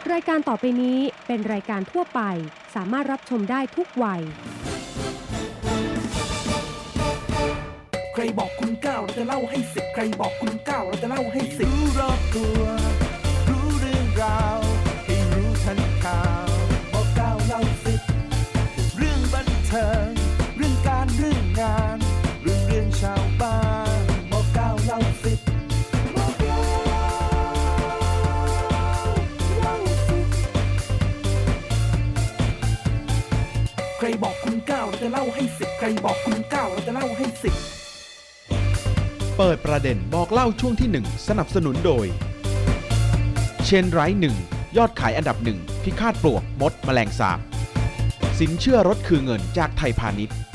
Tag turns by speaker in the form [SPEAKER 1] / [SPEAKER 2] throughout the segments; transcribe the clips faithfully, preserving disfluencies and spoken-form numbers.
[SPEAKER 1] รายการต่อไปนี้เป็นรายการทั่วไปสามารถรับชมได้ทุกวัย
[SPEAKER 2] ใครบอกคุณเก้าเราจะเล่าให้สิบใครบอกคุณเก้าเราจะเล่าให้สิบรู้รอบตัวรู้เรื่องราวให้รู้ทันข่าวบอกเก้าเล่าสิบเรื่องบันเทิงเรื่องการเรื่องงานเรื่องเรื่องชาวบ้านบอกเก้าเล่าสิบบอกเก้าเล่าสิบใครบอกคุณเก้าเราจะเล่าให้สิบใครบอกคุณเก้าเราจะเล่าให้สิบ
[SPEAKER 3] เปิดประเด็นบอกเล่าช่วงที่หนึ่งสนับสนุนโดยเชนไรท์หนึ่งยอดขายอันดับหนึ่งพิฆาตปลวกมดแมลงสาบสินเชื่อรถคือเงินจากไทยพาณิชย์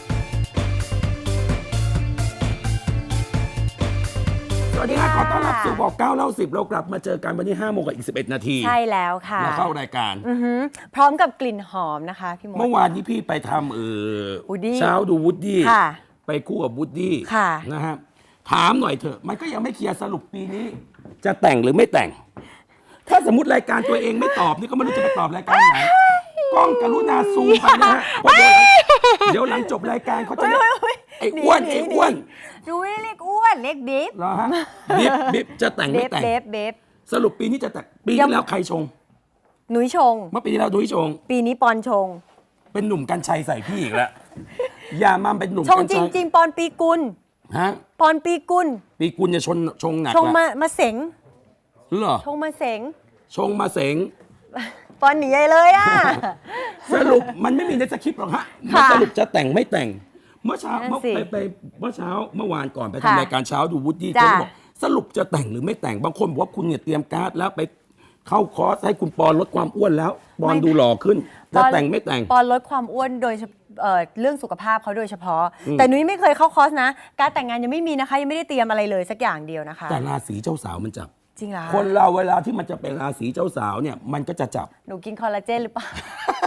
[SPEAKER 2] สวัสดีค่ะขอต้อนรับสู่บอกเก้าเล่าสิบเรากลับมาเจอกันวันนี้ห้าโมงกับอีกสิบเอ็ดนาที
[SPEAKER 4] ใช่แล้วค่ะ
[SPEAKER 2] เราเข้ารายการ
[SPEAKER 4] อือหือพร้อมกับกลิ่นหอมนะคะพี่มด
[SPEAKER 2] เมื่อวานนี้พี่ไปทำเออ
[SPEAKER 4] Woody
[SPEAKER 2] เช้าดูวูดดี้
[SPEAKER 4] ค่ะ
[SPEAKER 2] ไปคู่กับวูดดี้
[SPEAKER 4] ค่ะ
[SPEAKER 2] นะฮะถามหน่อยเถอะมันก็ยังไม่เคลียร์สรุปปีนี้ จะแต่งหรือไม่แต่ง ถ้าสมมติรายการตัวเองไม่ตอบนี่ก็ไม่รู้จะไปตอบรายการไหนกล้องกรุณาซูมไปนะฮะเพราะเดี๋ยวเดี๋ยวหลังจบรายการเขาจะเรียกไอ้อ้วนไอ้อ้วน
[SPEAKER 4] ดูไม่ได้เรียกอ้วนเรียกบิ๊บ
[SPEAKER 2] เหรอฮะบิ๊บบิ๊บจะแต่ง
[SPEAKER 4] เบ
[SPEAKER 2] ไม่
[SPEAKER 4] ฟ
[SPEAKER 2] แต่ง
[SPEAKER 4] เบฟเบฟ
[SPEAKER 2] สรุปปีนี้จะแต่งปีที่แล้วใครชง
[SPEAKER 4] หนุยชง
[SPEAKER 2] เมื่อปีที่แล้วดุ้ยชง
[SPEAKER 4] ปีนี้ปอนชง
[SPEAKER 2] เป็นหนุ่มกัญชัยใส่พี่อีกแล้วอย่ามาเป็นหนุ่ม
[SPEAKER 4] ชง
[SPEAKER 2] กัญ
[SPEAKER 4] จ
[SPEAKER 2] ชัย
[SPEAKER 4] ริง ๆ ปอนปีกุล
[SPEAKER 2] ฮะ
[SPEAKER 4] ปอนปีกุล
[SPEAKER 2] ปีกุลจะชนชงหนัก
[SPEAKER 4] ชงมา
[SPEAKER 2] ละ
[SPEAKER 4] มาเสง
[SPEAKER 2] เหรอ
[SPEAKER 4] ชงมาเสง
[SPEAKER 2] ชงมาเสง
[SPEAKER 4] ปอนหนีใหญ่เลยอ่ะ
[SPEAKER 2] สรุปมันไม่มีในสคริปต์หรอกฮะมัน
[SPEAKER 4] ค่ะ
[SPEAKER 2] สรุปจะแต่งไม่แต่ง เมื่อเช้า
[SPEAKER 4] นั่น
[SPEAKER 2] เมื่อ
[SPEAKER 4] สิ
[SPEAKER 2] ไปไปเมื่อเช้าเมื่อวานก่อนไป
[SPEAKER 4] ค่ะ
[SPEAKER 2] ทำรายการเช้าดูวูดดี้
[SPEAKER 4] จ้ะ
[SPEAKER 2] เขาบอกสรุปจะแต่งหรือไม่แต่งบางคนบอกว่าคุณเนี่ยเตรียมการ์ดแล้วไปเข้าคอร์สให้คุณปอนลดความอ้วนแล้วปอนดูหล่อขึ้นจะแต่งไม่แต่ง
[SPEAKER 4] ปอนลดความอ้วนโดยเฉพาะเอ่อเรื่องสุขภาพเขาโดยเฉพาะ แต่นุ้ยไม่เคยเข้าคอร์สนะ การแต่งงานยังไม่มีนะคะยังไม่ได้เตรียมอะไรเลยสักอย่างเดียวนะคะ
[SPEAKER 2] แต่ราศีเจ้าสาวมันจับ
[SPEAKER 4] จริงเหรอ
[SPEAKER 2] คนเราเวลาที่มันจะเป็นราศีเจ้าสาวเนี่ยมันก็จะจับ
[SPEAKER 4] หนูกินคอลลาเจนหรือเปล่า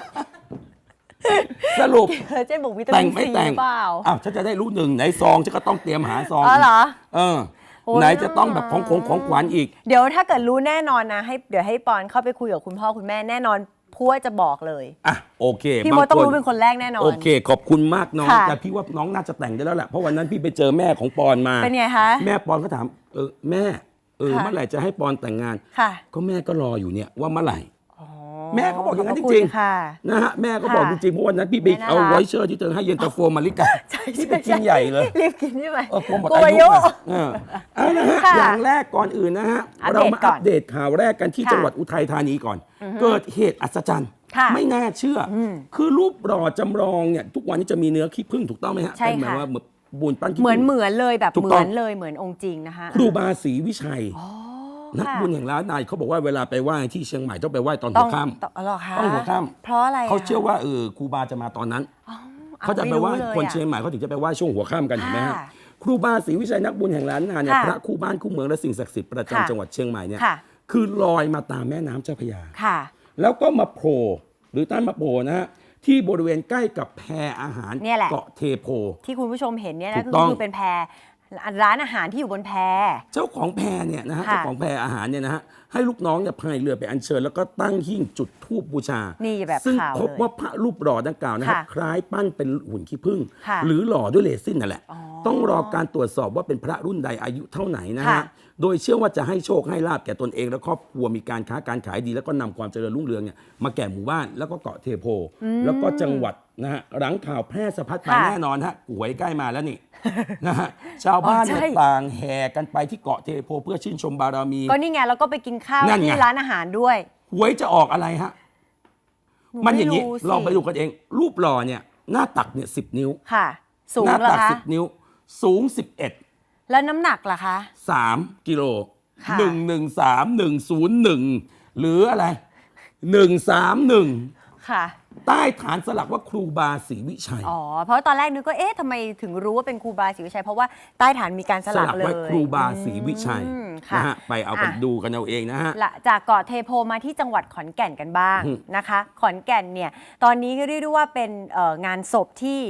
[SPEAKER 2] สรุป
[SPEAKER 4] คอลลาเจนบวกวิตา
[SPEAKER 2] แต่
[SPEAKER 4] มิ
[SPEAKER 2] ง
[SPEAKER 4] น
[SPEAKER 2] ไม่
[SPEAKER 4] ซีห
[SPEAKER 2] แต่ง
[SPEAKER 4] รือเปล่า
[SPEAKER 2] อ้าวฉันจะได้รู้หนึ่งไหนซองฉันก็ต้องเตรียมหาซอง
[SPEAKER 4] อ๋อเหรอ
[SPEAKER 2] เออ
[SPEAKER 4] โอ้ย
[SPEAKER 2] ไหนจะต้องแบบของของของขวัญอีก
[SPEAKER 4] เดี๋ยวถ้าเกิดรู้แน่นอนนะให้เดี๋ยวให้ปอนเข้าไปคุยกับคุณพ่อคุณแม่แน่นอนพัวจะบอกเลย
[SPEAKER 2] อ่ะโอเค
[SPEAKER 4] พี่มด
[SPEAKER 2] บา
[SPEAKER 4] ต้อง
[SPEAKER 2] ค
[SPEAKER 4] รู้เป็นคนแรกแน่นอน
[SPEAKER 2] โอเค ขอบคุณมากน้อง
[SPEAKER 4] ค่ะ
[SPEAKER 2] แต่พี่ว่าน้องน่าจะแต่งได้แล้วแหละเพราะวันนั้นพี่ไปเจอแม่ของปอนมา
[SPEAKER 4] เป็นไงคะ
[SPEAKER 2] แม่ปอนก็ถามเออแม่เออ
[SPEAKER 4] ค่ะ
[SPEAKER 2] เมื่อไหร่จะให้ปอนแต่งงาน
[SPEAKER 4] ค่ะ
[SPEAKER 2] ก็แม่ก็รออยู่เนี่ยว่าเมื่อไหร่
[SPEAKER 4] อ๋อ
[SPEAKER 2] แม่เขาบอกอย่างนั้น
[SPEAKER 4] ข
[SPEAKER 2] จ
[SPEAKER 4] บคุณ
[SPEAKER 2] ริง
[SPEAKER 4] ค่ะ
[SPEAKER 2] ๆนะฮะแม่ก็บอก
[SPEAKER 4] ค่ะ
[SPEAKER 2] จริงๆเพราะวันนั้นพี่ไป
[SPEAKER 4] แม่น่า
[SPEAKER 2] เอา
[SPEAKER 4] รัก
[SPEAKER 2] ไวเชอร์ที่เธอให้เย็นตาโฟมาริกา
[SPEAKER 4] ใช่
[SPEAKER 2] ที่
[SPEAKER 4] ใช่
[SPEAKER 2] ไปกินใหญ่เลย
[SPEAKER 4] รีบกินใช่ไหม
[SPEAKER 2] เออกลัวหมด
[SPEAKER 4] กลัว
[SPEAKER 2] อา
[SPEAKER 4] อา
[SPEAKER 2] ยุ
[SPEAKER 4] ยุ
[SPEAKER 2] อะเออเอาละฮะ
[SPEAKER 4] ค่ะ
[SPEAKER 2] อย่างแรกก่อนอื่นนะฮะ
[SPEAKER 4] อัปเดต
[SPEAKER 2] เรามา
[SPEAKER 4] ก่
[SPEAKER 2] อั
[SPEAKER 4] อน
[SPEAKER 2] ปเดตข่าวแรกกันที่
[SPEAKER 4] ค่ะ
[SPEAKER 2] จังหวัดอุทัยธานีก่อน เกิดเหตุอัศจรรย์
[SPEAKER 4] ค่ะ
[SPEAKER 2] ไม่น่าเชื่ออ
[SPEAKER 4] ม
[SPEAKER 2] คือรูปหล่อจำลองเนี่ยทุกวันนี้จะมีเนื้อขี้ผึ้งถูกต้องไหมฮะ
[SPEAKER 4] ใช่
[SPEAKER 2] เป็นหมาย
[SPEAKER 4] ค่ะ
[SPEAKER 2] ว่าเหมือนบูนปั้นขี้
[SPEAKER 4] เหมือน
[SPEAKER 2] ผึ้ง
[SPEAKER 4] เหมือนเลยแบบ
[SPEAKER 2] ถูก
[SPEAKER 4] เห
[SPEAKER 2] ต้
[SPEAKER 4] มื
[SPEAKER 2] อง
[SPEAKER 4] อนเลยเหมือนองค์จริงนะคะ
[SPEAKER 2] ครูบาศรีวิชัย
[SPEAKER 4] อ๋อ
[SPEAKER 2] นัก
[SPEAKER 4] ค่ะ
[SPEAKER 2] บุญแห่งล้านนายเขาบอกว่าเวลาไปไหว้ที่เชียงใหม่ต้องไปไหว้ตอน
[SPEAKER 4] ต้
[SPEAKER 2] หั
[SPEAKER 4] อ
[SPEAKER 2] ว
[SPEAKER 4] ง
[SPEAKER 2] ค่
[SPEAKER 4] ต้องอ๋อเหรอคะ
[SPEAKER 2] ำต้องหัวค่
[SPEAKER 4] เพราะอะไร
[SPEAKER 2] ำ
[SPEAKER 4] อะ
[SPEAKER 2] เขาเชื่อว่าเออครูบาจะมาตอนนั้น
[SPEAKER 4] อ๋อ
[SPEAKER 2] เขาจะไปไหว้
[SPEAKER 4] ม่รู้ลย
[SPEAKER 2] คน
[SPEAKER 4] อะ
[SPEAKER 2] เชียงใหม่เขาถึงจะไปไหว้ช่วงหัวค่ำกันเห็นไหมฮะ
[SPEAKER 4] ค่ะ
[SPEAKER 2] ครูบาศรีวิชัยนักบุญแห่งล้านนาเนี่ย
[SPEAKER 4] ค่ะ
[SPEAKER 2] พระคู่บ้านคู่เมืองและสิ่งศักดิ์สิทธิ์ประ
[SPEAKER 4] ค่ะ
[SPEAKER 2] จำจังหวัดเชียงใหม่เนี่ย
[SPEAKER 4] ค่ะ
[SPEAKER 2] คือลอยมาตามแม่น้ำเจ้าพระยา
[SPEAKER 4] ค่ะ
[SPEAKER 2] แล้วก็มาโผล่หรือตั้นมาโผล่นะฮะที่บริเวณใกล้กับแพอาหาร
[SPEAKER 4] เนี่ยแหละ
[SPEAKER 2] เกาะเทโพ
[SPEAKER 4] ที่คุณผู้ชมเห็นเนี่ย
[SPEAKER 2] ถู
[SPEAKER 4] นะ
[SPEAKER 2] ก
[SPEAKER 4] ก็
[SPEAKER 2] ต้อง
[SPEAKER 4] คือเป็นแพรร้านอาหารที่อยู่บนแพ
[SPEAKER 2] เจ้าของแพเนี่ยนะฮะ
[SPEAKER 4] ค่ะ
[SPEAKER 2] เจ้าของแพอาหารเนี่ยนะฮะให้ลูกน้องเนี่ยพายเรือไปอัญเชิญแล้วก็ตั้งหิ้งจุดธูปบูชา
[SPEAKER 4] นี่แบบ
[SPEAKER 2] ซึ่ง
[SPEAKER 4] ข่าว
[SPEAKER 2] พบ
[SPEAKER 4] เลย
[SPEAKER 2] ว่าพระรูปหล่อดังกล่าวนะครับ
[SPEAKER 4] ค่ะ
[SPEAKER 2] คล้ายปั้นเป็นหุ่นขี้ผึ้ง
[SPEAKER 4] ค่ะ
[SPEAKER 2] หรือหล่อด้วยเรซินนั่นแหละ
[SPEAKER 4] อ๋อ
[SPEAKER 2] ต้องรอการตรวจสอบว่าเป็นพระรุ่นใดอายุเท่าไหนนะ
[SPEAKER 4] ค่ะ
[SPEAKER 2] ฮะโดยเชื่อว่าจะให้โชคให้ลาบแก่ตนเองและครอบครัวมีการค้าการขายดี แล้วก็นำความเจริญรุ่งเรืองเนี่ยมาแก่หมู่บ้านแล้วก็เกาะเทโพ แล้วก็จังหวัดนะฮะหลังข่าวแพร่สะพัดไป
[SPEAKER 4] ค่ะ
[SPEAKER 2] แน่นอนฮะหวยใกล้มาแล้วนี่ นะฮะชาวบ้านเนี่ย
[SPEAKER 4] อ๋อใช่
[SPEAKER 2] ต่างแห่กันไปที่เกาะเทโพเพื่อชื่นชมบารมี
[SPEAKER 4] ก็นี่ไงแล้วก็ไปกินข้าว
[SPEAKER 2] นั่นไง
[SPEAKER 4] ที่ร้านอาหารด้วย
[SPEAKER 2] หวยจะออกอะไรฮะ
[SPEAKER 4] หนู
[SPEAKER 2] มันอย่างนี้
[SPEAKER 4] ไม่รู้สิ
[SPEAKER 2] ลองไปดูกันเอง รูปหล่อเนี่ยหน้าตักเนี่ยสิบนิ้ว
[SPEAKER 4] ค่ะ สูง
[SPEAKER 2] หน้า
[SPEAKER 4] เหรอ
[SPEAKER 2] ตัก
[SPEAKER 4] คะ
[SPEAKER 2] สิบนิ้ว สูงสิบเอ็ด
[SPEAKER 4] แล้วน้ำหนักล่ะคะ
[SPEAKER 2] สามกิโล
[SPEAKER 4] ค่ะ
[SPEAKER 2] หนึ่งหนึ่งสามหนึ่งศูนย์หนึ่งหรืออะไรหนึ่งสามหนึ่ง
[SPEAKER 4] ค่ะ
[SPEAKER 2] ใต้ฐานสลักว่าครูบาศรีวิชัย
[SPEAKER 4] อ๋อ เพราะตอนแรกนึกก็เอ๊ะทำไมถึงรู้ว่าเป็นครูบาศรีวิชัย เพราะว่าใต้ฐานมีการส
[SPEAKER 2] ส
[SPEAKER 4] ลัก
[SPEAKER 2] ลัก
[SPEAKER 4] เล
[SPEAKER 2] ไว้
[SPEAKER 4] ย
[SPEAKER 2] ครูบาศรีวิชัย
[SPEAKER 4] อืมค่ะ
[SPEAKER 2] นะฮะไปเอากัน
[SPEAKER 4] อ่ะ
[SPEAKER 2] ดูกันเอาเองนะฮะ
[SPEAKER 4] ละจากเกาะเทโพมาที่จังหวัดขอนแก่นกันบ้าง
[SPEAKER 2] อืม
[SPEAKER 4] นะคะ ขอนแก่นเนี่ยตอนนี้ก็เรียกได้ว่าเป็นเอ่องานศพที่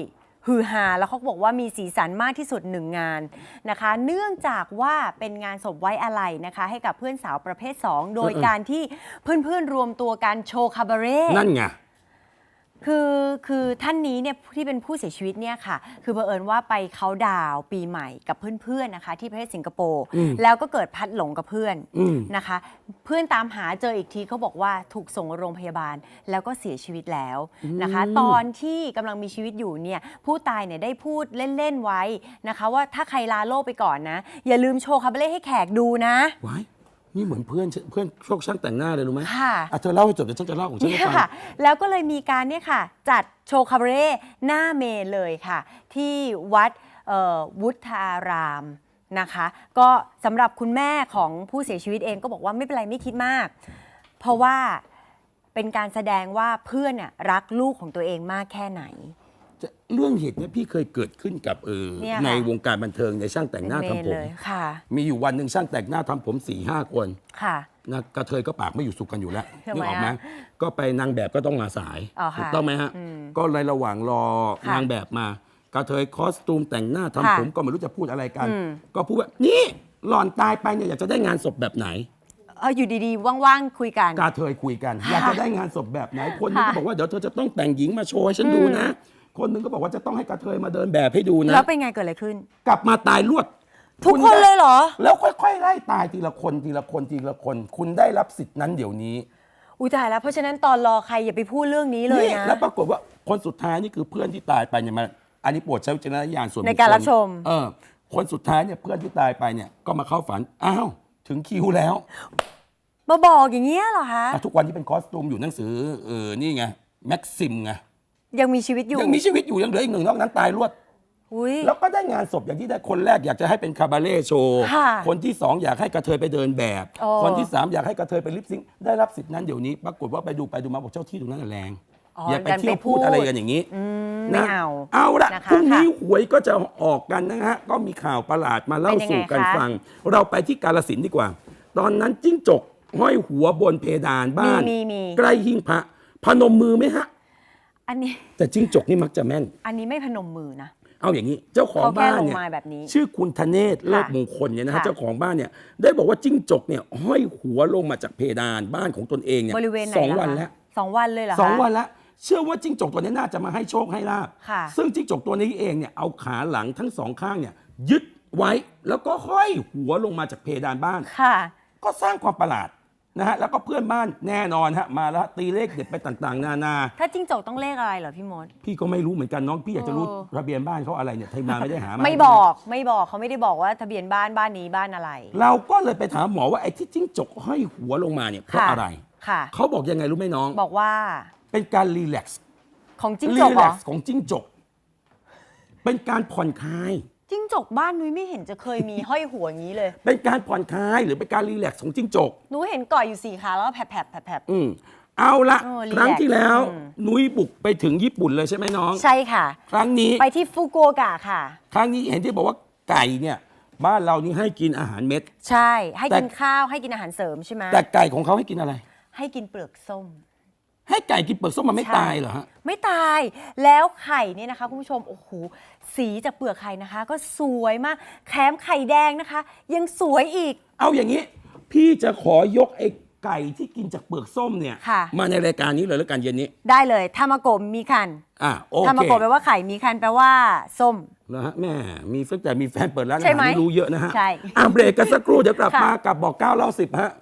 [SPEAKER 4] ฮือฮาแล้วเขาบอกว่ามีสีสันมากที่สุดหนึ่งงานนะคะ เนื่องจากว่าเป็นงานศพไว้อาลัยนะคะ ให้กับเพื่อนสาวประเภท สอง โดยการที่เพื่อนๆรวมตัวกันโชว์คาบาเร่
[SPEAKER 5] นั่นไง
[SPEAKER 4] คือคือท่านนี้เนี่ยที่เป็นผู้เสียชีวิตเนี่ยค่ะคือเผอิญว่าไปเขาน์ดาวน์ปีใหม่กับเพื่อนๆนะคะที่ประเทศสิงคโปร์แล้วก็เกิดพัดหลงกับเพื่อนนะคะ เพื่อนตามหาเจออีกทีเขาบอกว่าถูกส่งโรงพยาบาลแล้วก็เสียชีวิตแล้วนะคะ ตอนที่กำลังมีชีวิตอยู่เนี่ยผู้ตายเนี่ยได้พูดเล่นๆไว้นะคะ ว่าถ้าใครลาโลกไปก่อนนะ อย่าลืมโชว์คาบาเร่ให้แขกดูนะ
[SPEAKER 5] ว้ายนี่เหมือนเพื่อนเพื่อนโชคช่างแต่งหน้าเลยรู้ไหม
[SPEAKER 4] ค่ะ
[SPEAKER 5] อ่ะเธอเล่าให้จบเดี๋ยวฉันจะเล่าของฉันให้
[SPEAKER 4] เนี่ย
[SPEAKER 5] ฟัง
[SPEAKER 4] ค่ะแล้วก็เลยมีการเนี่ยค่ะจัดโชว์คาบาเร่หน้าเมนเลยค่ะ ที่วัดเอ่อวุฒารามนะคะ ก็สำหรับคุณแม่ของผู้เสียชีวิตเองก็บอกว่าไม่เป็นไรไม่คิดมาก เพราะว่าเป็นการแสดงว่าเพื่อนน่ะรักลูกของตัวเองมากแค่ไหน
[SPEAKER 5] จะเรื่องเหตุเนี้ยพี่เคยเกิดขึ้นกับเออ
[SPEAKER 4] เนี่ยค่ะ
[SPEAKER 5] ในวงการบันเทิงในช่างแต่งหน้า
[SPEAKER 4] เป็นเมน
[SPEAKER 5] ทำผม
[SPEAKER 4] เลยค่ะ
[SPEAKER 5] มีอยู่วันหนึ่งช่างแต่งหน้าทำผมสี่ห้าคน
[SPEAKER 4] ค่ะ
[SPEAKER 5] นะกระเทยก็ปากไม่อยู่สุขกันอยู่แล้ว
[SPEAKER 4] ทำไม
[SPEAKER 5] นึกออกไหม
[SPEAKER 4] อะ
[SPEAKER 5] ก็ไปนางแบบก็ต้องมาสาย
[SPEAKER 4] อ๋อค่ะ
[SPEAKER 5] ถูกต้องไหมฮะ
[SPEAKER 4] อืม
[SPEAKER 5] ก็ในระหว่างรอ
[SPEAKER 4] ค่ะ
[SPEAKER 5] นางแบบมากระเทยคอสตูมแต่งหน้าทำ
[SPEAKER 4] ค่ะ
[SPEAKER 5] ผมก็ไม่รู้จะพูดอะไรกัน
[SPEAKER 4] อืม
[SPEAKER 5] ก็พูดว่านี่หล่อนตายไปเนี่ยอยากจะได้งานศพแบบไหน
[SPEAKER 4] เอออยู่ดีๆว่างๆคุยกัน
[SPEAKER 5] กาเทยคุยกัน อยากจะได้งานศพแบบไหน คนหนึงก็
[SPEAKER 4] ค่ะ
[SPEAKER 5] บอกว่าเดี๋ยวเธอจะต้องแต่งหญิงมาโชว์ให้ฉันดูนะ คนหนึงก็บอกว่าจะต้องให้กาเทยมาเดินแบบให้ดูนะ
[SPEAKER 4] แล้วเป็นไงเกิดอะไรขึ้น
[SPEAKER 5] กลับมาตายรวด
[SPEAKER 4] ทุก
[SPEAKER 5] ณ
[SPEAKER 4] คน
[SPEAKER 5] ได้
[SPEAKER 4] เลยเหรอ
[SPEAKER 5] แล้วค่อยๆไล่ตายทีละคนทีละคนทีละคน คุณได้รับสิทธินั้นเดี๋ยวนี้
[SPEAKER 4] อุ้ยตายแล้วเพราะฉะนั้นตอนรอใครอย่าไปพูดเรื่องนี้เลย
[SPEAKER 5] นี่
[SPEAKER 4] นะ
[SPEAKER 5] แล้วปรากฏว่าคนสุดท้ายนี่คือเพื่อนที่ตายไปเนี่ยมาอันนี้โปรดใช้วิจารณญาณส่วนบุคคล
[SPEAKER 4] ในการรับชม
[SPEAKER 5] เออคนสุดท้ายเนี่ยเพื่อนที่ตายไปเนี่ยก็มาเข้าฝันอ้าวถึงคิวแล้ว
[SPEAKER 4] มาบอกอย่างเงี้ยเหรอคะ
[SPEAKER 5] อ่ะทุกวันนี้เป็นคอสตูมอยู่หนังสือเออนี่ไงแม็กซิมไง
[SPEAKER 4] ยังมีชีวิตอยู่
[SPEAKER 5] ยังมีชีวิตอยู่ยังเหลืออีกหนึ่งนอกนั้นตายรวด
[SPEAKER 4] อุ้ย
[SPEAKER 5] แล้วก็ได้งานศพอย่างที่ได้คนแรกอยากจะให้เป็นคาบาเร่โชว์
[SPEAKER 4] ค่ะ
[SPEAKER 5] คนที่สองอยากให้กระเทยไปเดินแบบ
[SPEAKER 4] โอ้
[SPEAKER 5] คนที่สามอยากให้กระเทยไปลิปซิงค์ได้รับสิทธินั้นเดี๋ยวนี้ ปรากฏว่าไปดูไปดูมาบอกเจ้าที่ตรงนั้นนะแรง
[SPEAKER 4] อ๋อ
[SPEAKER 5] อย่าไป
[SPEAKER 4] ดัน
[SPEAKER 5] เที่ยว
[SPEAKER 4] ไปพู
[SPEAKER 5] พู
[SPEAKER 4] ด
[SPEAKER 5] ดอะไรกันอย่างนี้
[SPEAKER 4] อืมไม่
[SPEAKER 5] นะ
[SPEAKER 4] เอา
[SPEAKER 5] เอาละ
[SPEAKER 4] นะคะ
[SPEAKER 5] พรุ่งนี้
[SPEAKER 4] ค่ะ
[SPEAKER 5] หวยก็จะออกกันนะฮะก็มีข่าวประหลาดมาเล่า
[SPEAKER 4] เป็นยังไง
[SPEAKER 5] สู่กัน
[SPEAKER 4] คะ
[SPEAKER 5] ฟัง เราไปที่กาฬสินธุ์ดีกว่า ตอนนั้นจิ้งจกห้อยหัวบนเพดานบ้าน
[SPEAKER 4] มีมีมี
[SPEAKER 5] ใกล้หิ้งพระพนมมือไหมฮะ
[SPEAKER 4] อันนี้
[SPEAKER 5] แต่จิ้งจกนี่มักจะแม่น
[SPEAKER 4] อันนี้ไม่พนมมือนะ
[SPEAKER 5] เอาอย่างนี้เจ้าของ
[SPEAKER 4] เขาแค่
[SPEAKER 5] บ้าน
[SPEAKER 4] ลง
[SPEAKER 5] เนี่ย
[SPEAKER 4] มาแบบนี้
[SPEAKER 5] ชื่อคุณธเนศเลิศมงคลเนี่ยนะฮะ
[SPEAKER 4] ค่ะ
[SPEAKER 5] เจ้าของบ้านเนี่ยได้บอกว่าจิ้งจกเนี่ยห้อยหัวลงมาจากเพดานบ้านของตนเองเนี่ย
[SPEAKER 4] บริเวณไหน
[SPEAKER 5] สอง
[SPEAKER 4] ล่ะ
[SPEAKER 5] วัน
[SPEAKER 4] คะ
[SPEAKER 5] แล้ว
[SPEAKER 4] สองวันเลยเหรอคะ
[SPEAKER 5] สองวันแล้วเชื่อว่าจิ้งจกตัวนี้น่าจะมาให้โชคให้ลาบ
[SPEAKER 4] ค่ะ
[SPEAKER 5] ซึ่งจิ้งจกตัวนี้เองเนี่ยเอาขาหลังทั้งสองข้างเนี่ยยึดไว้แล้วก็ห้อยหัวลงมาจากเพดานบ้าน
[SPEAKER 4] ค่ะ
[SPEAKER 5] ก็สร้างความประหลาดนะฮะแล้วก็เพื่อนบ้านแน่นอนฮะมาแล้วตีเลขเด็ดไปต่างๆ นานา
[SPEAKER 4] ถ้าจิ้งจกต้องเลขอะไรเหรอพี่มด
[SPEAKER 5] พี่ก็ไม่รู้เหมือนกันน้องพี่อยากจะรู้
[SPEAKER 4] เออ
[SPEAKER 5] ทะเบียนบ้านเขาอะไรเนี่ยไทยมาไม่ได้หามา
[SPEAKER 4] ไม่บอกไม่บอกเขาไม่ได้บอกว่าทะเบียนบ้านบ้านนี้บ้านอะไร
[SPEAKER 5] เราก็เลยไปถามหมอว่าไอ้ที่จิ้งจกห้อยหัวลงมาเนี่ยเพราะ
[SPEAKER 4] ค่ะ
[SPEAKER 5] อะไร
[SPEAKER 4] ค่ะ
[SPEAKER 5] เขาบอกยังไงรู้ไหมน้อง
[SPEAKER 4] บอกว่า
[SPEAKER 5] เป็นการรีแลกซ์
[SPEAKER 4] ของจิ้ง
[SPEAKER 5] รี
[SPEAKER 4] จกเห
[SPEAKER 5] แล
[SPEAKER 4] ร
[SPEAKER 5] ก
[SPEAKER 4] อ
[SPEAKER 5] ซ์ของจิ้งจก เป็นการผ่อนคลาย
[SPEAKER 4] จิ้งจกบ้านนุ้ยไม่เห็นจะเคยมี ห้อยหัวอย่างนี้เลย
[SPEAKER 5] เป็นการผ่อนคลายหรือเป็นการรีแลกซ์ของจิ้งจก
[SPEAKER 4] หนูเห็นเกาะอยู่สี่ขาแล้วก็แผลบแผลบแผลบแผลบ
[SPEAKER 5] อืมเอาละ
[SPEAKER 4] โอ้รีแลกซ์
[SPEAKER 5] ครั้งที่แล้ว
[SPEAKER 4] อืม
[SPEAKER 5] นุ้ยบุกไปถึงญี่ปุ่นเลยใช่ไหมน้อง
[SPEAKER 4] ใช่ค่ะ
[SPEAKER 5] ครั้งนี้
[SPEAKER 4] ไปที่ฟุกุโอกะค่ะ
[SPEAKER 5] ครั้งนี้เห็นที่บอกว่าไก่เนี่ย บ้านเรานี่ให้กินอาหารเม็ด
[SPEAKER 4] ใช่ ให้
[SPEAKER 5] แต่
[SPEAKER 4] กินข้าวให้กินอาหารเสริมใช่ไหม
[SPEAKER 5] แต่ไก่ของเขาให้กินอะไร
[SPEAKER 4] ให้กินเปลือกส้ม
[SPEAKER 5] ให้ไก่กินเปลือกส้มมันไม่
[SPEAKER 4] ใช่
[SPEAKER 5] ตายเหรอฮะ
[SPEAKER 4] ไม่ตาย แล้วไข่เนี่ยนะคะคุณผู้ชม โอ้โห สีจากเปลือกไข่นะคะ ก็สวยมาก แถมไข่แดงนะคะ ยังสวยอีก
[SPEAKER 5] เอาอย่างนี้ พี่จะขอยกไอ้ไก่ที่กินจากเปลือกส้มเนี่ย
[SPEAKER 4] ค่ะ
[SPEAKER 5] มาในรายการนี้เลยแล้วกันเย็นนี้
[SPEAKER 4] ได้เลยทามาโกะมีคัน
[SPEAKER 5] อ่ะโอ
[SPEAKER 4] ทามา
[SPEAKER 5] เค
[SPEAKER 4] โกะแปลว่าไข่ มีคันแปลว่าส้ม
[SPEAKER 5] นะฮะแม่มีตั้งแต่มีแฟนเปิดร้านอา
[SPEAKER 4] ใช่
[SPEAKER 5] หาร
[SPEAKER 4] ไหม
[SPEAKER 5] นี่รู้เยอะนะฮะ
[SPEAKER 4] ใช่
[SPEAKER 5] อ่ะเบรกกันสักครู่เดี๋ยวกลับ
[SPEAKER 4] ค่ะ
[SPEAKER 5] มากับบอกเก้าเล่าสิบฮะ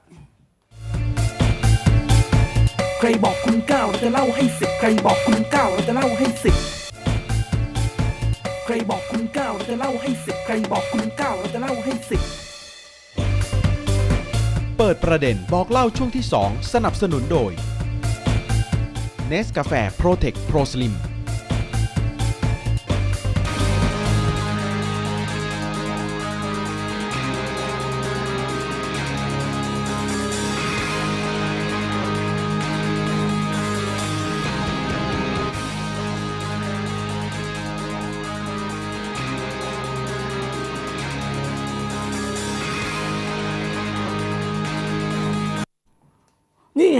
[SPEAKER 2] ใครบอกคุณเก้าเราจะเล่าให้สิบใครบอกคุณเก้าเราจะเล่าให้สิบใครบอกคุณเก้าเราจะเล่าให้สิบใครบอกคุณเก้าเราจะเล่าให้สิบ
[SPEAKER 3] เปิดประเด็นบอกเล่าช่วงที่ สอง สนับสนุนโดย Nescafe Protect Pro Slim
[SPEAKER 5] นี่ฮะ จะ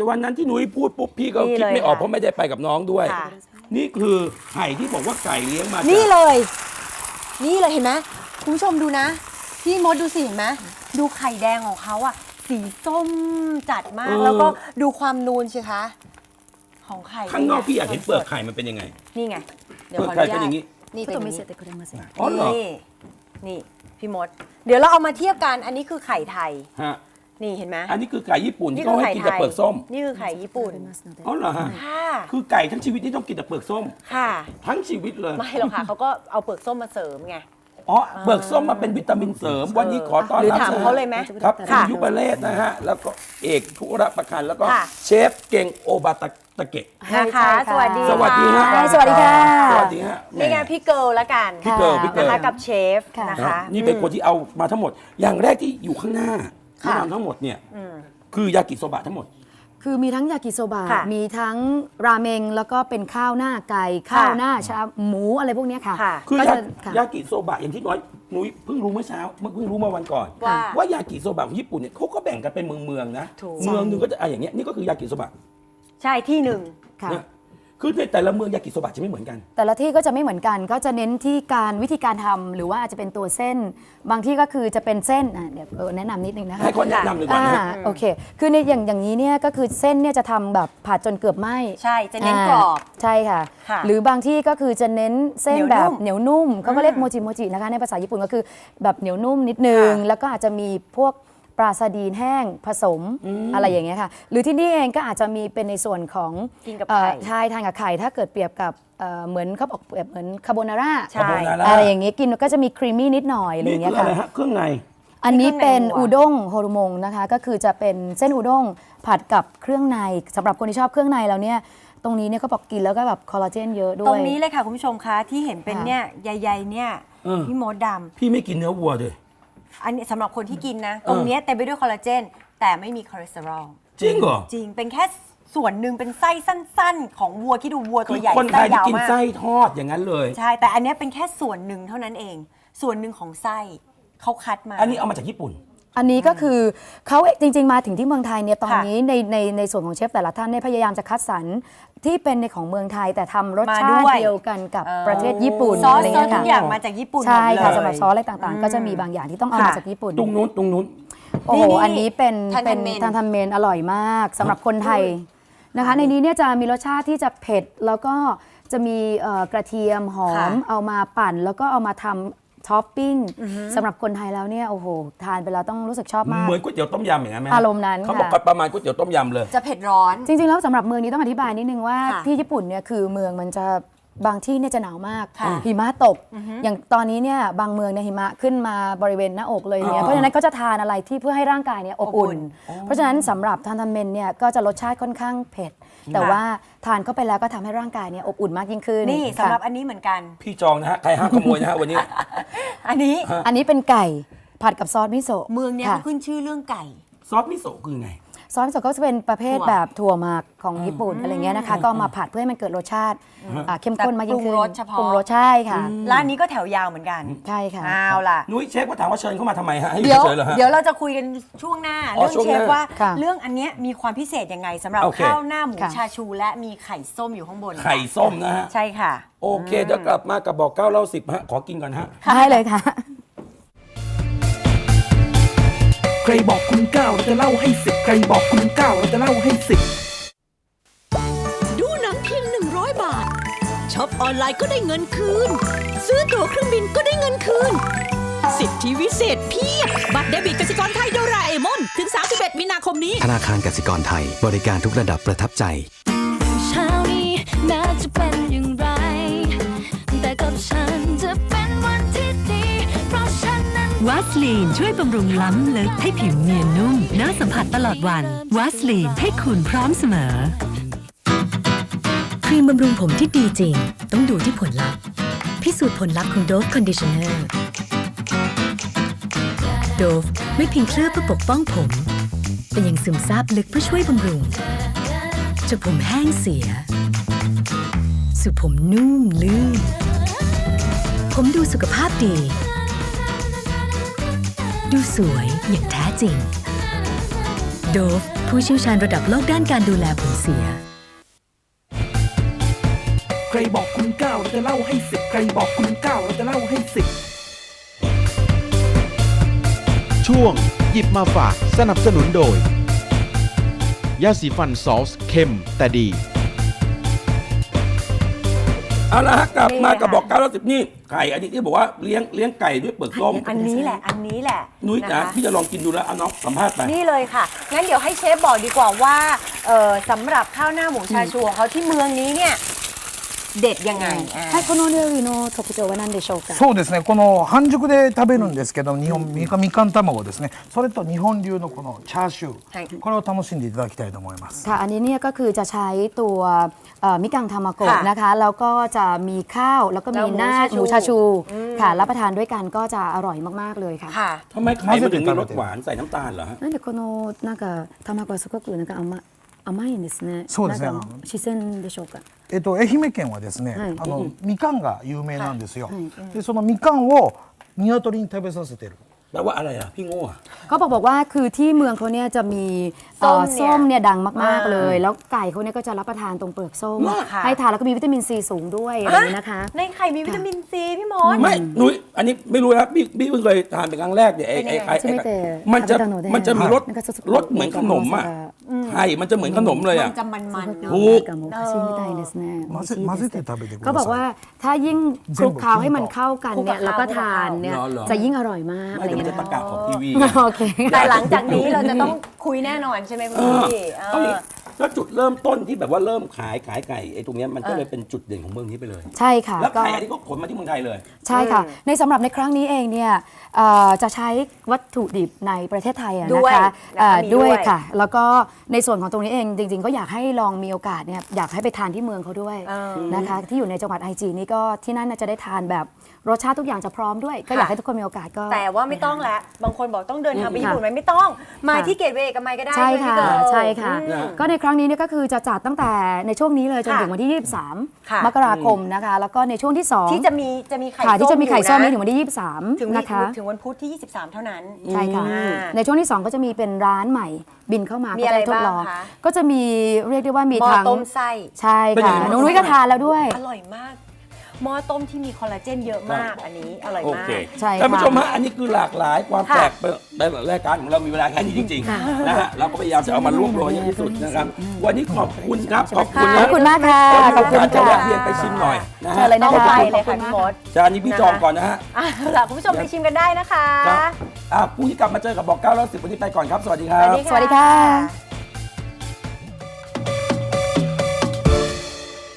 [SPEAKER 5] วันนั้นที่หนุ้ยพูดปุ๊บพี่ก็
[SPEAKER 4] นี่
[SPEAKER 5] คิด
[SPEAKER 4] เลย
[SPEAKER 5] ไม่ออก
[SPEAKER 4] ค่ะ
[SPEAKER 5] เพราะไม่ได้ไปกับน้องด้วย
[SPEAKER 4] ค่ะ
[SPEAKER 5] นี่คือไข่ที่บอกว่าไก่เลี้ยงมาจาก
[SPEAKER 4] นี่เลย นี่เลยเห็นไหมคุณผู้ชมดูนะ พี่มดดูสิเห็นไหมดูไข่แดงของเขาอะสีส้มจัดมาก แล้วก็ดูความนูนสิคะ ของไข่
[SPEAKER 5] ข้างนอกพี่อยากเห็นเปลือกไข่มันเป็นยังไง
[SPEAKER 4] นี่ไง เดี๋ยว
[SPEAKER 5] เปลือก
[SPEAKER 4] ขออ
[SPEAKER 5] ไข่
[SPEAKER 4] นุ
[SPEAKER 5] เป็น
[SPEAKER 4] ญา
[SPEAKER 5] อ
[SPEAKER 4] ต
[SPEAKER 5] ย่างนี้
[SPEAKER 4] นี่เป็นอย่างนี้
[SPEAKER 5] อ๋อเหรอ
[SPEAKER 4] นี่นี่พี่มด เดี๋ยวเราเอามาเทียบกัน อันนี้คือไข่ไทย
[SPEAKER 5] ฮะ
[SPEAKER 4] นี่เห็นไหม
[SPEAKER 5] อันนี้คือไก่ญี่ปุ่น
[SPEAKER 4] นี่
[SPEAKER 5] ที่
[SPEAKER 4] คื
[SPEAKER 5] เขา
[SPEAKER 4] อ
[SPEAKER 5] ให้
[SPEAKER 4] ไข่
[SPEAKER 5] กิน
[SPEAKER 4] ไท
[SPEAKER 5] แต่
[SPEAKER 4] ย
[SPEAKER 5] เปลือกส้ม
[SPEAKER 4] นี่คือไข่ญี่ปุ่น
[SPEAKER 5] อ๋อเหรอฮะ
[SPEAKER 4] ค่ะ
[SPEAKER 5] คือไก่ทั้งชีวิตนี่ต้องกินแต่เปลือกส้ม
[SPEAKER 4] ค่ะ
[SPEAKER 5] ทั้งชีวิตเลย
[SPEAKER 4] ไม่หรอกค่ะเขาก็เอาเปลือกส้มมาเสริมไง
[SPEAKER 5] อ๋อเปลือกส้มมาเป็นวิตามินเสริม วันนี้ขอต้อน
[SPEAKER 4] หรือ
[SPEAKER 5] รับ
[SPEAKER 4] ถามเขาเลยไหม
[SPEAKER 5] ครับคุณ
[SPEAKER 4] ค่ะ
[SPEAKER 5] ยุบเลศนะฮะ แล้วก็เอกธุระประคันแล้วก็
[SPEAKER 4] ค่ะ
[SPEAKER 5] เชฟเก่งโอบาตะตะเกะ
[SPEAKER 4] นะคะ สวัสดี
[SPEAKER 5] สวัสดีฮะ
[SPEAKER 4] ค่ะ
[SPEAKER 6] สวัสดีค่ะ
[SPEAKER 5] สวัสดีฮะ
[SPEAKER 4] นี่ไงพี่เกิร์ลละกัน
[SPEAKER 5] พี่เกิร์ลพี่เกิร์ล
[SPEAKER 4] นะคะกับเชฟ
[SPEAKER 6] ค่ะ
[SPEAKER 4] นะ
[SPEAKER 5] นะฮะ
[SPEAKER 4] คะ
[SPEAKER 5] นี่เป็นคนที่เอามาทั้งหมด อย่างแรกที่อยู่ข้างหน้าที่
[SPEAKER 4] ค่ะ
[SPEAKER 5] ทำทั้งหมดเนี่ย
[SPEAKER 4] อืม
[SPEAKER 5] คือยากิโซบะทั้งหมด
[SPEAKER 6] คือมีทั้งยากิโซบะ
[SPEAKER 4] ค่ะ
[SPEAKER 6] มีทั้งราเมง แล้วก็เป็นข้าวหน้าไก่ ข้าวหน้าชาหมูอะไรพวกเนี้ยค่ะ
[SPEAKER 4] ค่ะ
[SPEAKER 5] คือ
[SPEAKER 6] ก็
[SPEAKER 5] ยา
[SPEAKER 6] จะค่ะ
[SPEAKER 5] ยากิโซบะอย่างที่น้อยนุ้ยเพิ่งรู้เมื่อเช้าเมื่อเพิ่งรู้เมื่อวันก่อน
[SPEAKER 4] ว่า
[SPEAKER 5] ว่ายากิโซบะของญี่ปุ่นเนี่ยเขาก็แบ่งกันเป็นเมืองเมืองๆนะ
[SPEAKER 4] ถูก
[SPEAKER 5] เมืองหนึงก็จะอ่ะอย่างเงี้ยนี่ก็คือยากิโซบะ
[SPEAKER 4] ใช่ที่หนึ่ง
[SPEAKER 6] ค่ะ
[SPEAKER 5] เนี่ยคือในแต่ละเมืองยากิโซบะจะไม่เหมือนกัน
[SPEAKER 6] แต่ละที่ก็จะไม่เหมือนกัน ก็จะเน้นที่การวิธีการทำหรือว่าอาจจะเป็นตัวเส้น บางที่ก็คือจะเป็นเส้นอ่ะเดี๋ยวเออแนะนำนิดนึงนะคะ
[SPEAKER 5] ให้คนแนะนำเลยก่อนนะ
[SPEAKER 6] อ่าโอเค คือในอย่างอย่างนี้เนี่ยก็คือเส้นเนี่ยจะทำแบบผัดจนเกือบไหม้
[SPEAKER 4] ใช่จะเน้นกรอบ
[SPEAKER 6] าใช่ค่ะ
[SPEAKER 4] ค่ะ
[SPEAKER 6] หรือบางที่ก็คือจะเน้นเส้น
[SPEAKER 4] เหนียว
[SPEAKER 6] แบบ
[SPEAKER 4] นุ่ม
[SPEAKER 6] เหนียวนุ่มเขาก็เรียก
[SPEAKER 4] อืม
[SPEAKER 6] โมจิโมจินะคะในภาษาญี่ปุ่นก็คือแบบเหนียวนุ่มนิดนึง
[SPEAKER 4] ค่ะ
[SPEAKER 6] แล้วก็อาจจะมีพวกปลาซาดีนแห้งผสมอะไรอย่างเงี้ยค่ะ หรือที่นี่เองก็อาจจะมีเป็นในส่วนของ
[SPEAKER 4] กินกับ
[SPEAKER 6] เอ่อ
[SPEAKER 4] ไข่
[SPEAKER 6] ใช่ทานกับไข่ถ้าเกิดเปรียบกับเอ่อเหมือนเขาบอกเปรียบเหมือนคาโบนาร่า
[SPEAKER 4] ใช่
[SPEAKER 5] คาโบนาร่า
[SPEAKER 6] อะไรอย่างเงี้ยกินก็จะมีครีมมี่นิดหน่อยอะไรอ
[SPEAKER 5] นี่
[SPEAKER 6] ย่างเงี้
[SPEAKER 5] คื
[SPEAKER 6] ย
[SPEAKER 5] ออะไร
[SPEAKER 6] ค่ะ
[SPEAKER 5] ฮะเครื่องใน
[SPEAKER 6] อันนี้เป็น
[SPEAKER 4] เครื่องในวัว
[SPEAKER 6] อูด้งโฮโรมงนะคะ ก็คือจะเป็นเส้นอูด้งผัดกับเครื่องในสำหรับคนที่ชอบเครื่องในแล้วเนี่ยตรงนี้เนี่ยเขาบอกกินแล้วก็แบบคอลลาเจนเยอะด้วย
[SPEAKER 4] ตรงนี้เลยค่ะ คุณผู้ชมคะที่เห็นเป็น
[SPEAKER 6] ค่ะ
[SPEAKER 4] เนี่ยใยๆเนี่ย
[SPEAKER 5] เออ
[SPEAKER 4] พี่มดด
[SPEAKER 5] พี่ไม่กินเนื้อวัวเลย
[SPEAKER 4] ำอันนี้สำหรับคนที่กินนะ ตรงเนี้ยเต็มไปด้วยคอลลาเจน แต่ไม่มีคอเลสเตอรอล
[SPEAKER 5] จริงเหรอ
[SPEAKER 4] จริงเป็นแค่ส่วนหนึ่งเป็นไส้สั้นๆ ของวัวที่ดูวัว
[SPEAKER 5] คื
[SPEAKER 4] ตัว
[SPEAKER 5] อ
[SPEAKER 4] ใหญ่
[SPEAKER 5] คนไท
[SPEAKER 4] ไส้
[SPEAKER 5] ยที่
[SPEAKER 4] ยาว
[SPEAKER 5] กิน
[SPEAKER 4] มาก
[SPEAKER 5] ไส้ทอดอย่างนั้นเลย
[SPEAKER 4] ใช่ แต่อันเนี้ยเป็นแค่ส่วนหนึ่งเท่านั้นเอง ส่วนหนึ่งของไส้เขาคัดมา
[SPEAKER 5] อันนี้เอามาจากญี่ปุ่น
[SPEAKER 6] อันนี้ก็คือเขาจริง ๆ มาถึงที่เมืองไทยเนี่ยตอน
[SPEAKER 4] ค่ะ
[SPEAKER 6] นี้ในในในส่วนของเชฟแต่ละท่านเนี่ยพยายามจะคัดสรรที่เป็นในของเมืองไทย แต่ทำรส
[SPEAKER 4] มา
[SPEAKER 6] ชา
[SPEAKER 4] ด้
[SPEAKER 6] ติ
[SPEAKER 4] วย
[SPEAKER 6] เดียวกันกับ
[SPEAKER 4] เออ
[SPEAKER 6] ประเทศญี่ปุ่น
[SPEAKER 4] ซอส
[SPEAKER 6] อะไร
[SPEAKER 4] ซอส
[SPEAKER 6] เงี้ย
[SPEAKER 4] ทุกอย่าง
[SPEAKER 6] ค่ะ
[SPEAKER 4] มาจากญี่ปุ่น
[SPEAKER 6] ใช่
[SPEAKER 4] หมดเลย
[SPEAKER 6] ค่ะสำหรับซอสอะไรต่าง
[SPEAKER 4] อืม
[SPEAKER 6] ๆ ก็จะมีบางอย่างที่ต้องเอามา
[SPEAKER 4] ค่ะ
[SPEAKER 6] จากญี่ปุ่น
[SPEAKER 5] ตรงนู้นตรงนู้น
[SPEAKER 6] โอ้โห
[SPEAKER 4] นี่
[SPEAKER 6] อันนี้เป็น
[SPEAKER 4] ทันทัน
[SPEAKER 6] เป็น
[SPEAKER 4] เมน
[SPEAKER 6] ทานทันเมนอร่อยมากสำหรับคนไทยนะคะ ในนี้เนี่ยจะมีรสชาติที่จะเผ็ด แล้วก็จะมีเอ่อกระเทียมหอม
[SPEAKER 4] ค่ะ
[SPEAKER 6] เอามาปั่น แล้วก็เอามาทำท็อปปิ้งสำหรับคนไทยแล้วเนี่ยโอ้โหทานไปแล้วต้องรู้สึกชอบมาก
[SPEAKER 5] เหมือนก๋วยเตี๋ยวต้มยำอย่างนั้นไหม
[SPEAKER 6] อารมณ์นั้น
[SPEAKER 5] เขาบอก
[SPEAKER 6] ค่ะ
[SPEAKER 5] ประมาณก๋วยเตี๋ยวต้มยำเลย
[SPEAKER 4] จะเผ็ดร้อน
[SPEAKER 6] จริงๆแล้วสำหรับเมืองนี้ต้องอธิบายนิดนึงว่า
[SPEAKER 4] ค่ะ
[SPEAKER 6] ที่ญี่ปุ่นเนี่ยคือเมืองมันจะบางที่เนี่ยจะหนาวมาก
[SPEAKER 4] ค่ะ
[SPEAKER 6] หิมะตก อย่างตอนนี้เนี่ยบางเมืองเนี่ยหิมะขึ้นมาบริเวณหน้าอกเลยเนี่ยเพราะฉะนั้นเขาจะทานอะไรที่เพื่อให้ร่างกายเนี่ยอบอุ่น เพราะฉะนั้นสำหรับทานทันเมนเนี่ยก็จะรสชาติค่อนข้างเผ็ด แต่ว่าทานเข้าไปแล้วก็ทำให้ร่างกายเนี่ยอบอุ่นมากยิ่งขึ้น
[SPEAKER 4] นี่
[SPEAKER 6] ค่ะ
[SPEAKER 4] สำหรับอันนี้เหมือนกัน
[SPEAKER 5] พี่จองนะฮะ ใครห้ามขโมยนะฮะวันนี้
[SPEAKER 4] อันนี้
[SPEAKER 6] อันนี้เป็นไก่ผัดกับซอสมิโซะ
[SPEAKER 4] เมืองเนี้ย
[SPEAKER 6] ค่ะ
[SPEAKER 4] เขาขึ้นชื่อเรื่องไก่
[SPEAKER 5] ซอสมิโซะคือไง
[SPEAKER 6] ซอสมิโซะก็จะเป็นประเภท
[SPEAKER 4] ถั่ว
[SPEAKER 6] แบบถั่วหมักของญี่ปุ่นอะไรเงี้ยนะคะก็เอามาผัดเพื่อให้มันเกิดรสชาติอ่าเข้มข้นมากยิ่งขึ้น
[SPEAKER 4] ปรุงรสเฉพาะ
[SPEAKER 6] ปรุงรสใช่ค่ะ
[SPEAKER 4] ร้านนี้ก็แถวยาวเหมือนกัน
[SPEAKER 6] ใช่ค่ะ
[SPEAKER 4] เอาล่ะ
[SPEAKER 5] นุ้ยเช็คว่าถามว่าเชิญเข้ามาทำไมฮะ ให้อ
[SPEAKER 4] เดี๋ยว
[SPEAKER 5] เฉยๆเหรอฮะ
[SPEAKER 4] เดี๋ยวเราจะคุยกันช่วงหน้า
[SPEAKER 5] อ๋อ
[SPEAKER 4] เรื่อง
[SPEAKER 5] ช่วง
[SPEAKER 4] เช
[SPEAKER 5] หน้า
[SPEAKER 4] ฟว่า
[SPEAKER 6] ค่ะ
[SPEAKER 4] เรื่องอันเนี้ยมีความพิเศษยังไงสำหรับ
[SPEAKER 5] โอเค
[SPEAKER 4] ข้าวหน้าหมู
[SPEAKER 6] ค่ะ
[SPEAKER 4] ชาชูและมีไข่ส้มอยู่ข้างบน
[SPEAKER 5] ไข่ส้มนะฮะ
[SPEAKER 4] ใช่ค่ะ
[SPEAKER 5] โอเคเดี๋ยวกลับมากับบอกเก้าเล่าสิบฮะ ขอกินก่อนฮะ
[SPEAKER 6] ได้เลยค่ะ
[SPEAKER 2] ใครบอกคุณเก้าเราจะเล่าให้สิบใครบอกคุณเก้าเราจะเล่าให้สิบ
[SPEAKER 7] ดูหนังเพียงหนึ่งร้อยบาทช็อปออนไลน์ก็ได้เงินคืน ซื้อตั๋วเครื่องบินก็ได้เงินคืน สิทธิวิเศษเพียบ บัตรเดบิตกสิกรไทยโดราเอมอน ถึง สามสิบเอ็ด มีนาคมนี้
[SPEAKER 8] ธนาคารกสิกรไทยบริการทุกระดับประทับใจ
[SPEAKER 9] เช้านี้แม้จะเป็นอย่างไร แต่กับฉันจะเป็นวันที่ดี เพราะฉันนั้น
[SPEAKER 10] วัสลีนช่วยบำรุงล้ำลึกให้ผิวเนียนนุ่มน่าสัมผัสตลอดวันวัสลีนให้คุณพร้อมเสมอ
[SPEAKER 11] ครีมบำรุงผมที่ดีจริง ต้องดูที่ผลลัพธ์ พิสูจน์ผลลัพธ์ของ Dove Conditioner Dove ไม่เพียงเคลือบเพื่อปกป้องผม แต่ยังซึมซาบลึกเพื่อช่วยบำรุงจากผมแห้งเสีย สู่ผมนุ่มลื่น ผมดูสุขภาพดี ดูสวยอย่างแท้จริงโดฟผู้เชี่ยวชาญระดับโลกด้านการดูแลผมเสีย
[SPEAKER 2] ใครบอกคุณเก้าเราจะเล่าให้สิบใครบอกคุณเก้าเราจะเล่าให้สิบ
[SPEAKER 3] ช่วงหยิบมาฝากสนับสนุนโดย ยาสีฟันซอสเข้มแต่ดี
[SPEAKER 5] เอาละฮะกลับมา
[SPEAKER 4] นี่
[SPEAKER 5] กับ
[SPEAKER 4] ค่ะ
[SPEAKER 5] บอกเก้าร้อยสิบนี่ไก่อันนี้ที่บอกว่าเลี้ยงเลี้ยงไก่ด้วยเปลือกส้ม
[SPEAKER 4] อันนี้แหละ อันนี้แหละ
[SPEAKER 5] นุ้ย
[SPEAKER 4] ะ
[SPEAKER 5] นะคะ พี่จะลองกินดูแล้วเอาน้องสัมภาษณ์ไป
[SPEAKER 4] นี่เลยค่ะ งั้นเดี๋ยวให้เชฟบอกดีกว่าว่าเอ่อสำหรับข้าวหน้าหมูชาชูของเขาที่เมืองนี้เนี่ยเด็ดยังไงอ่ะ
[SPEAKER 6] はい、この料理の特徴は何でしょうか。
[SPEAKER 12] そうですね、この半熟で食べるんですけど、日本みかみかん卵ですね、それと日本流のこのチャーシュ
[SPEAKER 4] はい
[SPEAKER 12] ー、これを楽しんでいただきたいと思います。
[SPEAKER 6] ค่ะ อันนี้เนี่ยก็คือจะใช้ตัวเอ่อมิกังทามาโกะ
[SPEAKER 4] ค่ะ
[SPEAKER 6] นะคะ แล้วก็จะมีข้าว แล้วก็มีหน้า
[SPEAKER 4] แล้วห
[SPEAKER 6] ห
[SPEAKER 4] มู
[SPEAKER 6] มู
[SPEAKER 4] ชา
[SPEAKER 6] ชา
[SPEAKER 4] ชู
[SPEAKER 6] ชู
[SPEAKER 4] อืม
[SPEAKER 6] ค่ะ รับประทานด้วยกันก็จะอร่อยมากๆเลยค่ะ
[SPEAKER 4] ค่ะ
[SPEAKER 5] ทำไมไข่มันถึงมีรสหวานใส่น้ำตาลเหรอฮะ
[SPEAKER 6] なんでこのなんか卵はすごくなんか甘甘いんですね。
[SPEAKER 12] そうですね
[SPEAKER 6] なんか四川でしょうか。
[SPEAKER 12] えっと、愛媛県はですね、
[SPEAKER 6] はい
[SPEAKER 12] あのみかんが有名なんですよ。
[SPEAKER 6] はい
[SPEAKER 12] で、そのみかんを鶏に食べさせてる。
[SPEAKER 5] แปลว่าอะไรอ่ะ พี่โง่อะ
[SPEAKER 6] เขาบอกบอกว่าคือที่เมืองเขาเนี่ยจะมีเอ่อ
[SPEAKER 4] ส้มเนี่ย
[SPEAKER 6] ส้มเนี่ยดังมาก
[SPEAKER 4] อ่า
[SPEAKER 6] ๆเลย แล้วไก่เขาเนี่ยก็จะรับประทานตรงเปลือกส้ม
[SPEAKER 4] ค่ะ
[SPEAKER 6] ให้ทานแล้วก็มีวิตามินซีสูงด้วยอะไรอย่างนี้นะคะ
[SPEAKER 4] ในไข่มีวิตามินซีพี่มด
[SPEAKER 5] ไม่นุ้ยอันนี้ไม่รู้นะพี่พี่เพิ่งเคยทานเป็นครั้งแรกเนี่ยไอ้ไอ้ไอ้
[SPEAKER 6] ใช่ไหม
[SPEAKER 5] ไอ้
[SPEAKER 6] แต่
[SPEAKER 5] มันจะ
[SPEAKER 6] 食べたので
[SPEAKER 5] มันจะมีรส
[SPEAKER 6] なんかちょっと
[SPEAKER 5] รสเหมือนขนมอ่ะไข่มันจะเหมือนขนมเลย
[SPEAKER 4] มั
[SPEAKER 5] อ่ะ
[SPEAKER 4] นจะมันๆเนอะ
[SPEAKER 5] ถูก
[SPEAKER 6] なんかもうおかしいみたいですね。
[SPEAKER 12] 混ぜ混ぜて食べてく
[SPEAKER 6] ก็
[SPEAKER 12] だ
[SPEAKER 6] บอก
[SPEAKER 12] さ
[SPEAKER 6] ว่าย ถ้ายิ่งคลุกเคล้าให้มันเข้ากันเนี่ย
[SPEAKER 4] คลุกกับ
[SPEAKER 6] แล้วก็
[SPEAKER 4] ข้าว
[SPEAKER 6] ทานเนี่ย
[SPEAKER 5] เหรอเหรอ
[SPEAKER 6] จะยิ่งอร่อยมาก
[SPEAKER 5] ไม่
[SPEAKER 6] อะไรอ
[SPEAKER 5] แต่
[SPEAKER 6] ย่าง
[SPEAKER 5] มัน
[SPEAKER 6] เงี้
[SPEAKER 5] จะ
[SPEAKER 6] ย
[SPEAKER 5] ตะกาของทีวี
[SPEAKER 6] โอเค
[SPEAKER 4] แต่หลังจากนี้เราจะต้องคุยแน่นอนใช่ไหมคุณ
[SPEAKER 5] เออ
[SPEAKER 4] พี่เอ
[SPEAKER 5] ต้อง
[SPEAKER 4] อ
[SPEAKER 5] นี้แล้วจุดเริ่มต้นที่แบบว่าเริ่มขายขายไก่ไอ้ตรงเนี้ยมันก็เลยเป็นจุดเด่นของเมืองนี้ไปเลย
[SPEAKER 6] ใช่ค่ะ
[SPEAKER 5] แล้ว
[SPEAKER 6] ก็
[SPEAKER 5] ไก่อันนี้ก็ขนมาที่เมืองไทยเลย
[SPEAKER 6] ใช่ค่ะ ในสำหรับในครั้งนี้เองเนี่ยเอ่อจะใช้วัตถุดิบในประเทศไทยอะ
[SPEAKER 4] ด้
[SPEAKER 6] นะ
[SPEAKER 4] วย
[SPEAKER 6] คะ
[SPEAKER 4] แล้วก็
[SPEAKER 6] เอ่อ
[SPEAKER 4] มี
[SPEAKER 6] ด้วย
[SPEAKER 4] ด้วย
[SPEAKER 6] ค่ะ แล้วก็ในส่วนของตรงนี้เองจริงๆ ก็อยากให้ลองมีโอกาสเนี่ยอยากให้ไปทานที่เมืองเขาด้วย
[SPEAKER 4] เออ
[SPEAKER 6] นะคะที่อยู่ในจังหวัดไอจีนี่ก็ที่นั่นน่าจะได้ทานแบบรสชาติทุกอย่างจะพร้อมด้วย ก็อยากให้ทุกคนมีโอกาสก็
[SPEAKER 4] แต่ว่าไม่ต้องแล้วบางคนบอกต้องเดินทางไป
[SPEAKER 6] อืม
[SPEAKER 4] ญี่ปุ่นไหมไม่ต้อง มา
[SPEAKER 6] ค่ะ
[SPEAKER 4] ที่เกตเวย์เอกมัยก็ได้
[SPEAKER 6] ใช่ค่ะ
[SPEAKER 4] ไหมพี่เกิร์ล
[SPEAKER 6] ใช่ค่ะ
[SPEAKER 4] อืม
[SPEAKER 6] ก็ในครั้งนี้เนี่ยก็คือจะจัดตั้งแต่ในช่วงนี้เลยจนถึงวันที่ ยี่สิบสาม
[SPEAKER 4] ค่ะ
[SPEAKER 6] มกราคมนะคะ แล้วก็ในช่วงที่สอง
[SPEAKER 4] ที่จะมีจะมีไข่
[SPEAKER 6] ค่ะที่จะมีไข่ส้มนี้
[SPEAKER 4] อ
[SPEAKER 6] ถึ
[SPEAKER 4] ยู่
[SPEAKER 6] งวันที่ยี่สิบสาม
[SPEAKER 4] ถึง
[SPEAKER 6] นะคะ
[SPEAKER 4] ถึงวันพุธที่ยี่สิบสามเท่านั้น
[SPEAKER 6] ใช่ค่ะ
[SPEAKER 4] อ่า
[SPEAKER 6] ในช่วงที่สองก็จะมีเป็นร้านใหม่บินเข้ามา
[SPEAKER 4] มี
[SPEAKER 6] ก็
[SPEAKER 4] อะไร
[SPEAKER 6] จะทดลอง
[SPEAKER 4] บ้างคะ
[SPEAKER 6] ก็จะมีเรียกได้ว่ามี
[SPEAKER 4] หม้อ
[SPEAKER 6] ทั้ง
[SPEAKER 4] ต้มไส้
[SPEAKER 6] ใช่
[SPEAKER 5] เป็นยัง
[SPEAKER 6] ค่ะ
[SPEAKER 5] ไง
[SPEAKER 6] น้องนุ้ยก็ทานแล้วด้วย
[SPEAKER 4] อร่อยมากหม้อต้มที่มีคอลลาเจนเยอะมาก อันนี้อร่อย
[SPEAKER 5] โอ
[SPEAKER 4] มาก
[SPEAKER 5] เค
[SPEAKER 6] ใช่ค่ะ
[SPEAKER 5] ท่านผู้ชมฮะอันนี้คือหลากหลายความ
[SPEAKER 4] ค่ะ
[SPEAKER 5] แปลกในรายการของเรามีเวลาแค่นี้จริงๆนะฮะเราก็พยายามจะเอามารวบรวมให้ที่สุดนะครับ วันนี้ขอบคุณครับขอบคุณ
[SPEAKER 6] ข
[SPEAKER 5] นะ
[SPEAKER 6] อบคุณมากค่ะ
[SPEAKER 5] แล้ว
[SPEAKER 6] ขอบคุณ
[SPEAKER 5] จะ
[SPEAKER 6] ค่ะ
[SPEAKER 5] แวะเวียนไปชิมหน่อยนะฮะ
[SPEAKER 6] เชิญเลยนะ
[SPEAKER 4] ต้อง
[SPEAKER 6] คะ
[SPEAKER 4] ไป
[SPEAKER 6] ข
[SPEAKER 4] เล
[SPEAKER 6] อย บคุ
[SPEAKER 4] ค่ะ
[SPEAKER 6] ณ
[SPEAKER 4] พี่
[SPEAKER 6] มาก
[SPEAKER 4] มด
[SPEAKER 5] จานนี้พี่จองก่อนนะฮะ
[SPEAKER 4] อ่ะล่ะคุณผู้ชมไปชิมกันได้นะคะ
[SPEAKER 5] ครับอ่ะผู้ที่กลับมาเจอกับบอกเก้าแล้วสิบวันนี้ไปก่อนครับ สวัสดีครั
[SPEAKER 4] สวั
[SPEAKER 5] บ
[SPEAKER 4] สดี
[SPEAKER 6] สวัสดีค่ะ